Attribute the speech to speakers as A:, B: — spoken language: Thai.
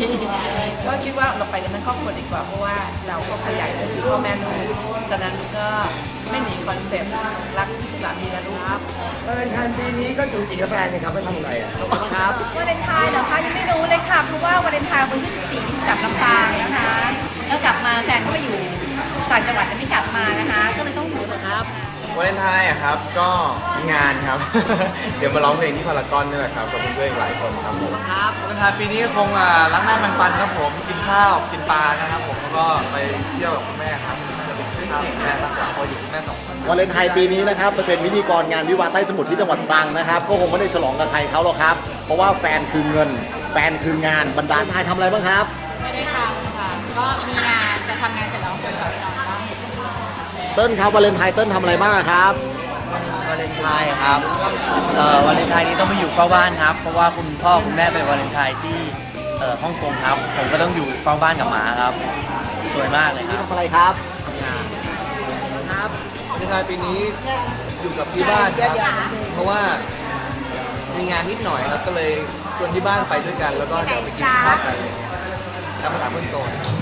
A: ก็คิดว่าเราไปกันทั้งครอบครัวดีกว่าเพราะว่าเราก็ขยายก็คือพ่อแม่ลูกฉะนั้นก็ไม่หนีคอนเซ็ปต์รักสามีและลูกครับ
B: วาเลนไทน์ปีนี้ก็จูจีกับแฟนนะครับไม่ทำอะไรอ่ะครับ
C: วาเลนไทน์เหรอคะยังไม่รู้เลยค่ะเพราะว่าวาเลนไทน์วันที่14นี่กลับลำปางนะคะแล้วกลับมาแฟนก็ไปอยู่ต่างจังหวัดแต่ไม่กลับมานะคะก็เลยต้องอยู่ครับ
D: วาเลนไทน์อะครับก็งานครับ เดี๋ยวมาร้องเพลงที่พารากอนนี่แหละครับกับเพื่อนๆอีกหลายคนครับผม
B: ครับวาเลนไทน์ปีนี้คงล้างหน้ามันฟันครับผมกินข้าวกินปลานะครับผมแล้วก็ไปเที่ยวกับคุณแม่ครับน่าจะเป็นข้าวแม่มากกว่าเพราะอยู่คุณแม่สองคน
E: วาเลนไทน์ปีนี้นะครับจะเป็นพิธีกรงานวิวาห์ใต้สมุทรที่จังหวัดตรังนะครับก็คงไม่ได้ฉลองกับใครเขาหรอกครับ เพราะว่าแฟนคือเงิน แฟนคืองานบรรดาไทยทำอะไรบ้างครับ
C: ไม่ได้ทำค่ะก็มีงานแต่ทำงานเสร็จแล้วคงกลับไปนอนบ้าง
E: เติ้ลครับวาเลนไทน์เติ้ลทำอะไรบ้างครับ
F: วาเลนไทน์ครับวาเลนไทน์นี้ต้องไปอยู่เฝ้าบ้านครับ เพราะว่าคุณพ่อคุณแม่ไปวาเลนไทน์ที่ฮ่องกงครับ ผมก็ต้องอยู่เฝ้าบ้านกับหมาครับ สวยมากเลยค
E: นี่
F: รับ
E: ทำอะไรครับ
B: ครับวาเลนไทน์ปีนี้อยู่กับที่บ้านครับเพราะว่ามีงานนิดหน่อยครับก็เลยชวนที่บ้านไปด้วยกัน แล้วก็เดี๋ยวไปกินข้าวกันอะไรเงี้ยตามภาษาเพื่อนโต